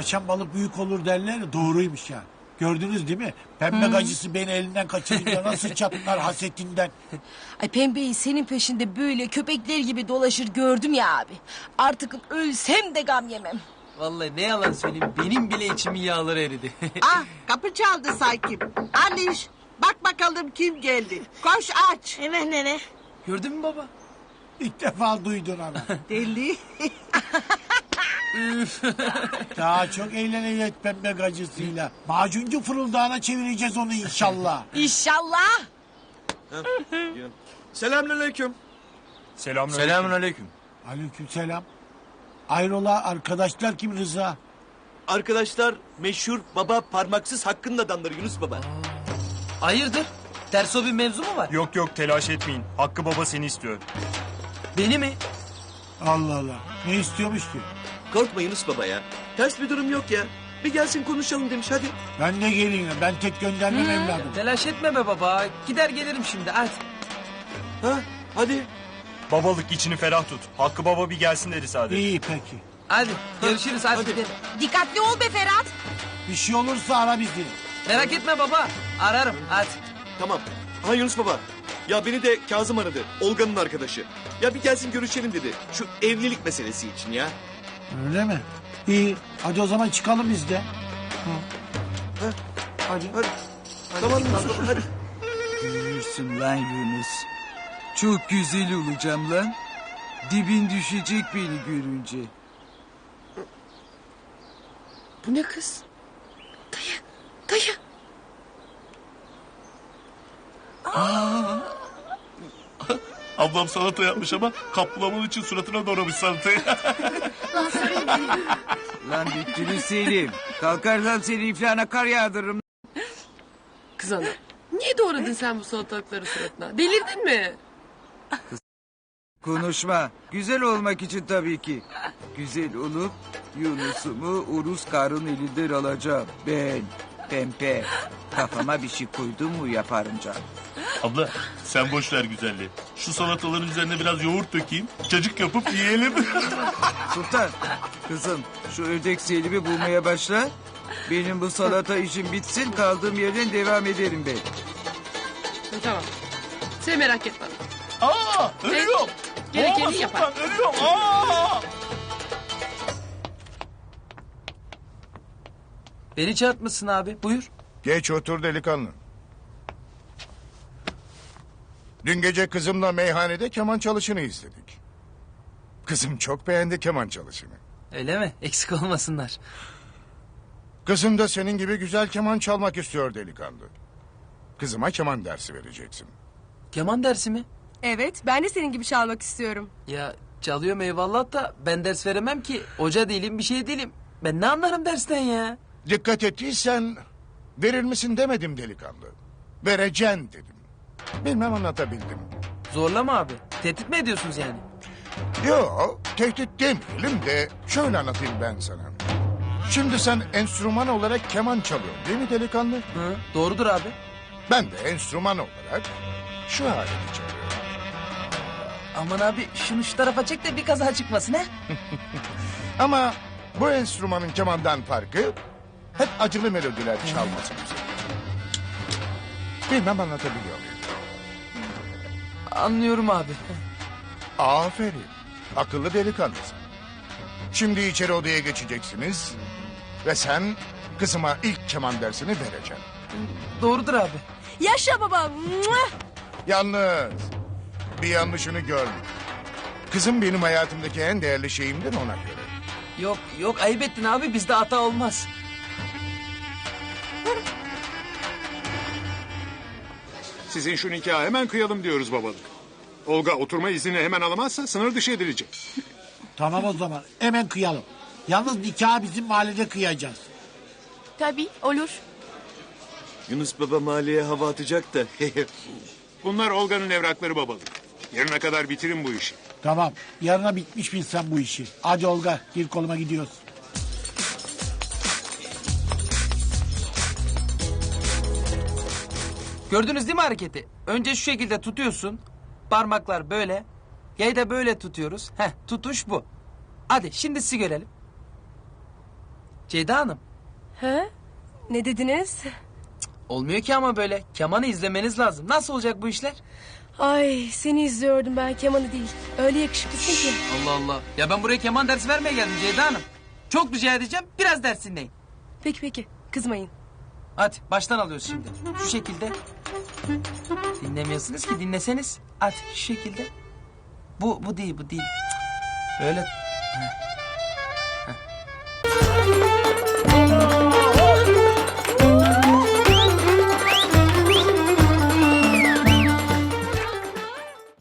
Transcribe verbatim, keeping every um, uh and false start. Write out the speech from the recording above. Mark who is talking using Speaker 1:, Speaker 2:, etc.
Speaker 1: Tavşan balık büyük olur derler ya, doğruymuş yani. Gördünüz değil mi? Pembe gacısı beni elinden kaçırınca nasıl çatlar hasetinden.
Speaker 2: Ay pembeyi senin peşinde böyle köpekler gibi dolaşır gördüm ya abi. Artık ölsem de gam yemem.
Speaker 3: Vallahi ne yalan söyleyeyim, benim bile içimin yağları eridi.
Speaker 4: Ah, kapı çaldı sanki. Aliş, bak bakalım kim geldi. Koş aç.
Speaker 2: Hemen nene.
Speaker 3: Gördün mü baba?
Speaker 1: İlk defa duydun ana.
Speaker 4: Deli.
Speaker 1: Daha çok eğleneceğiz pembe gacısıyla. Macuncu fırıldağına çevireceğiz onu inşallah.
Speaker 2: İnşallah.
Speaker 5: Selamünaleyküm.
Speaker 6: Selamünaleyküm.
Speaker 1: Aleykümselam. Ayrola arkadaşlar kim Rıza?
Speaker 5: Arkadaşlar meşhur baba parmaksız Hakkı'nın adamları Yunus Baba.
Speaker 3: Hayırdır? Ters o bir mevzu mu var?
Speaker 6: Yok yok telaş etmeyin. Hakkı baba seni istiyor.
Speaker 3: Beni mi?
Speaker 1: Allah Allah. Ne istiyormuş ki?
Speaker 5: Korkma Yunus Baba ya. Ters bir durum yok ya. Bir gelsin konuşalım demiş hadi.
Speaker 1: Ben de geleyim. Ben tek göndermem evladım.
Speaker 3: Telaş etme be baba. Gider gelirim şimdi hadi.
Speaker 5: Ha hadi.
Speaker 6: Babalık içini ferah tut. Hakkı baba bir gelsin dedi sadece.
Speaker 1: İyi peki.
Speaker 3: Hadi görüşürüz hadi,
Speaker 5: Hadi.
Speaker 3: gidelim.
Speaker 2: Dikkatli ol be Ferhat.
Speaker 1: Bir şey olursa ara bizi.
Speaker 3: Merak etme baba. Ararım hadi.
Speaker 5: Tamam. Ha Yunus Baba. Ya beni de Kazım aradı. Olga'nın arkadaşı. Ya bir gelsin görüşelim dedi. Şu evlilik meselesi için ya.
Speaker 1: Öyle mi? İyi. Hadi o zaman çıkalım biz de.
Speaker 5: Hadi. Hadi. Tamam Yunus Baba hadi.
Speaker 7: Yürürsün lan Yunus. Çok güzel olacağım lan. Dibin düşecek beni görünce.
Speaker 2: Bu ne kız? Dayı, dayı.
Speaker 8: Ablam salata yapmış ama kaplaman için suratına doğramış salatayı.
Speaker 7: Lan bittiniz Selim. Kalkarsam seni iflana kar yağdırırım.
Speaker 9: Kız ana, niye doğradın sen bu salatalıkları suratına? Delirdin mi?
Speaker 7: Konuşma. Güzel olmak için tabii ki. Güzel olup Yunus'umu Urus karın elinden alacağım. Ben pempe. Kafama bir şey koydum mu yaparım canım.
Speaker 8: Abla sen boş ver güzelliği. Şu salataların üzerine biraz yoğurt dökeyim. Cacık yapıp yiyelim.
Speaker 7: Sultan, kızım şu ördek Selim'i bulmaya başla. Benim bu salata işim bitsin, kaldığım yerden devam ederim ben.
Speaker 9: Ha, tamam. Sen merak etme.
Speaker 8: Aa ölüyorum.
Speaker 9: Gerekeni
Speaker 8: Boğma
Speaker 9: yapar.
Speaker 8: Sultan, ölüyorum. Aa!
Speaker 3: Beni çarpmışsın abi buyur.
Speaker 10: Geç otur delikanlı. Dün gece kızımla meyhanede keman çalışını izledik. Kızım çok beğendi keman çalışını.
Speaker 3: Öyle mi? Eksik olmasınlar.
Speaker 10: Kızım da senin gibi güzel keman çalmak istiyor delikanlı. Kızıma keman dersi vereceksin.
Speaker 3: Keman dersi mi?
Speaker 11: Evet, ben de senin gibi çalmak istiyorum.
Speaker 3: Ya çalıyorum eyvallah da ben ders veremem ki. Hoca değilim bir şey değilim. Ben ne anlarım dersten ya?
Speaker 10: Dikkat ettiysen verir misin demedim delikanlı. Vereceksin dedim. Bilmem anlatabildim.
Speaker 3: Zorlama abi. Tehdit mi ediyorsunuz yani?
Speaker 10: Yok, tehdit demeyelim de şöyle anlatayım ben sana. Şimdi sen enstrüman olarak keman çalıyorsun değil mi delikanlı?
Speaker 3: Hı, doğrudur abi.
Speaker 10: Ben de enstrüman olarak şu aleti çalıyorum.
Speaker 3: Aman abi şunu şu tarafa çek de bir kaza çıkmasın ha.
Speaker 10: Ama bu enstrümanın kemandan farkı hep acılı melodiler çalması üzerine. Bilmem anlatabiliyor muyum?
Speaker 3: Anlıyorum abi.
Speaker 10: Aferin. Akıllı delikanlısın. Şimdi içeri odaya geçeceksiniz. Ve sen kızıma ilk keman dersini vereceksin.
Speaker 3: Doğrudur abi.
Speaker 11: Yaşa baba.
Speaker 10: Yalnız bir yanlışını görme. Kızım benim hayatımdaki en değerli şeyimdir ona göre.
Speaker 3: Yok yok ayıp ettin abi bizde hata olmaz.
Speaker 12: Sizin şu nikahı hemen kıyalım diyoruz babalık. Olga oturma iznini hemen alamazsa sınır dışı edilecek.
Speaker 1: Tamam o zaman. Hemen kıyalım. Yalnız nikahı bizim mahallede kıyacağız.
Speaker 11: Tabii, olur.
Speaker 5: Yunus Baba mahalleye hava atacak da.
Speaker 12: Bunlar Olga'nın evrakları babalık. Yarına kadar bitirin bu işi.
Speaker 1: Tamam. Yarına bitmiş bilsen bu işi. Hadi Olga gir koluma gidiyoruz.
Speaker 3: Gördünüz değil mi hareketi? Önce şu şekilde tutuyorsun. Parmaklar böyle. Yayı da böyle tutuyoruz. Heh tutuş bu. Hadi şimdi sizi görelim. Ceyda Hanım.
Speaker 11: He? Ne dediniz?
Speaker 3: Olmuyor ki ama böyle. Kemanı izlemeniz lazım. Nasıl olacak bu işler?
Speaker 11: Ay seni izliyordum ben kemanı değil. Öyle yakışıklısın ki.
Speaker 3: Allah Allah. Ya ben buraya keman dersi vermeye geldim Ceyda Hanım. Çok rica edeceğim. Biraz ders dinleyin.
Speaker 11: Peki peki kızmayın.
Speaker 3: Hadi baştan alıyoruz şimdi. Şu şekilde. Dinlemiyorsunuz ki dinleseniz. Hadi şu şekilde. Bu bu değil bu değil. Cık. Böyle. Heh.